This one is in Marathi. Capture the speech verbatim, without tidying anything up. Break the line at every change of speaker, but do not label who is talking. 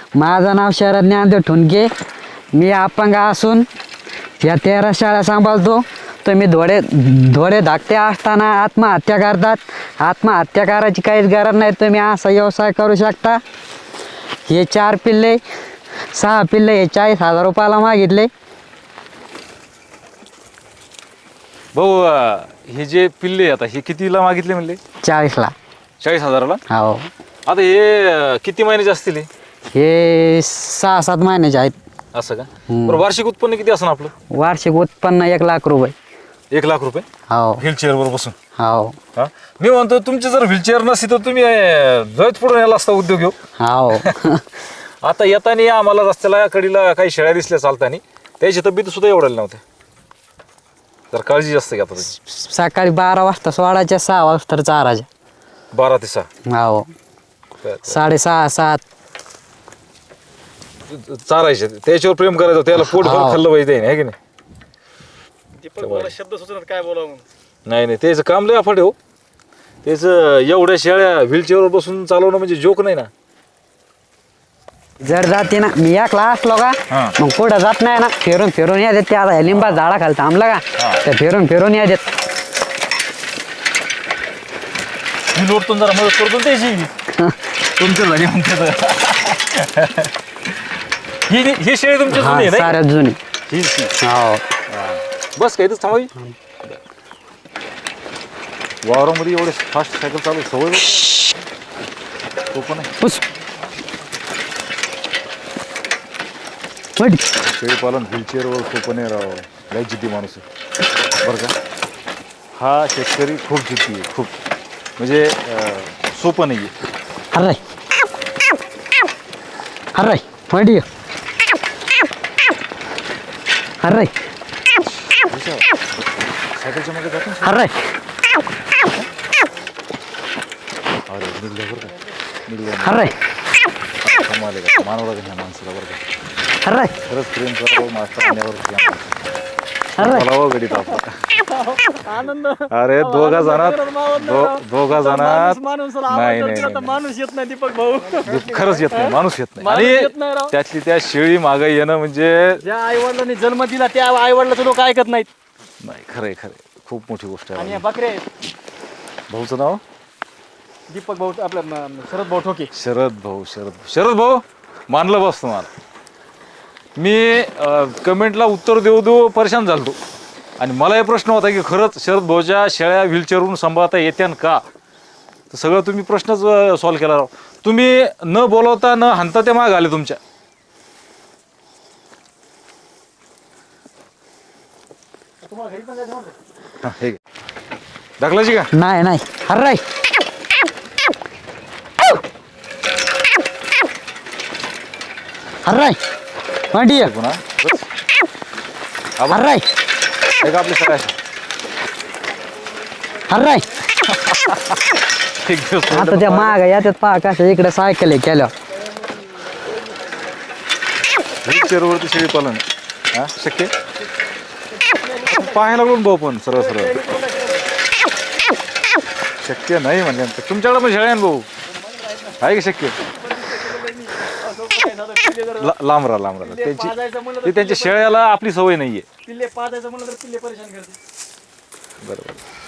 माझं नाव शरद ज्ञानदेव ठुणके. मी अपंग असून या तेरा शाळा सांभाळतो. तुम्ही धोडे धोडे धाकटे असताना आत्महत्या करतात. आत्महत्या करायची काहीच गरज नाही. तुम्ही असा व्यवसाय करू शकता. हे चार पिल्ले सहा पिल्ले हे चाळीस हजार रुपयाला मागितले.
भाऊ हे जे पिल्ले आता हे कितीला मागितले म्हणले?
चाळीसला.
चाळीस हजाराला.
हो.
आता हे किती महिन्याचे असतील हे?
हे सहा सात महिन्याचे आहेत.
असं का? बरं, वार्षिक उत्पन्न किती असणार आपलं?
वार्षिक उत्पन्न एक लाख रुपये.
एक लाख रुपये
हो
व्हीलचेअर वर बसून?
हो
हा, मी म्हणतो तुमची जर व्हीलचेअर नसती तर तुम्ही जवळ पुढे यायला असता उद्योग घेऊ.
हो.
आता येताना आम्हाला रस्त्याला कडीला काही शेळ्या दिसल्या चालताना, त्याची तब्येत सुद्धा एवढ्या नव्हत्या. जर काळजी जास्त घ्या आता.
सकाळी बारा वाजता सोडायच्या, सहा वाजता चाराच्या.
बारा ते सहा.
हो. साडेसहा सात
चारायचे, त्याच्यावर प्रेम करायचं, त्याला पोट भरून खाल्लं पाहिजे आहे की नाही?
शब्द सुचत काय बोलावं.
नाही नाही, त्याचं काम लय अफाट आहे हो. त्याचं एवढ्या शेळ्या व्हीलचेअरवर बसून चालवणं म्हणजे जोक नाही ना.
जर जाते ना मी एकला असलो का मग पुढं जात नाही ना, फिरून फिरून या देत. ते आता लिंबा झाडा खाली थांबलं का ते फिरून फिरून या देत.
लोटून जरा मदत करतो त्याची तुमच्या झाली म्हणते. ही ही शेळी तुमची जुनी आहे ना?
साऱ्यात जुनी.
ही
हो.
बस काय इथंच थांबावी. वावरामध्ये एवढे फास्ट सायकल चालू सवय तो पण आहे.
पुस.
शेळी पालन व्हीलचेअरवर सोपं नाही राव. लय जिद्दी माणूस आहे बरं का. हा शेतकरी खूप जिद्दी आहे, खूप म्हणजे सोपं नाही आहे.
हर्राय हर्राय मांडी हर्राय
सायकलच्या मागे जातो.
हर्राय.
अरे निघल्या बरं का, निघल्या.
हर्राय
कमाल का मानवला का ह्या माणसाला बरं का.
हर्राय
खरंच प्रेम करावं मास्तर पाण्यावर.
हर्राय.
बोलावं गडीत आपला.
आनंद.
अरे दोघा जणात दो- दोघा जणात
माणूस
नाही नाही, नाही
माणूस येत नाही दीपक भाऊ.
खरंच येत नाही, माणूस येत
माणूस
नाही.
येत नाही राव.
आणि त्यातली त्या शेळी मागे येणं म्हणजे
ज्या आई वडिलांनी जन्म दिला त्या आई वडिलाचं लोक ऐकत नाहीत.
नाही, खरंय खरंय, खूप मोठी गोष्ट
आणि
आहे.
या बकरे आहेत.
भाऊचं नाव
दीपक भाऊ आपल्या म- शरद भाऊ ठोके.
शरद भाऊ. शरद शरद भाऊ मानलं बस तुम्हाला. मी कमेंटला उत्तर देऊ देऊ परेशान झालतो. आणि मला हे प्रश्न होता की खरंच शरद भाऊच्या शेळ्या व्हीलचेअरवरून सांभाळता येत्यान का. तर सगळं तुम्ही प्रश्नच सॉल्व्ह केला राव. तुम्ही न बोलवता न हाणता ते माग आले तुमच्या. हा, हे घे. दाखलायची का?
नाही नाही हर्राय. हर्राय मांडी
पुन्हा
हर्राय
एक आपली सगळ्या
हर्राय.
एक दिवस
आता त्या माग याच्यात पहा कसं इकडे सायकल आहे केलं.
व्हीलचेअरवरती शेळी पालन हा शक्य पाहायला लागून भाऊ पण सरळ सरळ शक्य नाही म्हणजे. तुमच्याकडे पण शेळ्या भाऊ आहे की शक्य? ला- लांब राहा लांब राहा. त्यांची ते त्यांच्या शेळ्याला आपली सवय नाहीये.
पिल्ले पाजायचं म्हणलं तर पिल्ले परेशान करते.
बरोबर.